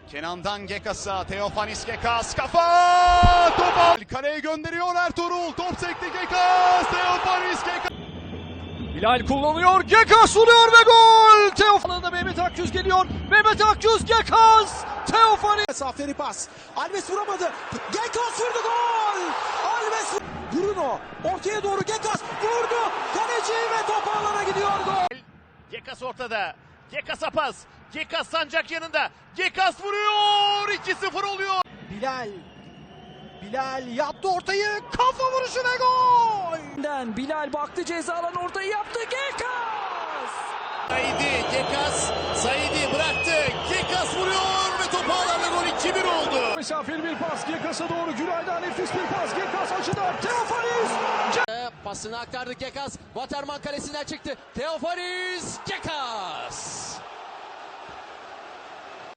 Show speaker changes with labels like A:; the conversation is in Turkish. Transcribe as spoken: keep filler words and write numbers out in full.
A: Kenan'dan Gekas'a, Teofanis Gekas, kafa! Top al! Kaleye gönderiyor Ertuğrul, top sekti Gekas, Teofanis Gekas!
B: Bilal kullanıyor, Gekas vuruyor ve gol! Teofanis'e Mehmet Akgüz geliyor, Mehmet Akgüz, Gekas, Teofanis!
C: Mesafeli pas, Alves vuramadı, Gekas vurdu, gol! Alves, Bruno, ortaya doğru Gekas vurdu, kaleci ve top ağlara gidiyor, gol!
D: Gekas ortada, Gekas'a pas, Gekas Sancak yanında, Gekas vuruyor, iki sıfır oluyor.
C: Bilal, Bilal yaptı ortayı, kafa vuruşu ve gol! Bilal baktı, ceza alanı ortayı yaptı, Gekas!
D: Saidi, Gekas, Saidi bıraktı, Gekas vuruyor ve top ağlarla gol iki bir oldu.
B: Mesafeli bir pas, Gekas'a doğru, Gülay'dan nefis bir pas, Gekas açıda, Teofanis!
E: Pasını aktardı Gekas. Waterman kalesinden çıktı. Teofanis Gekas.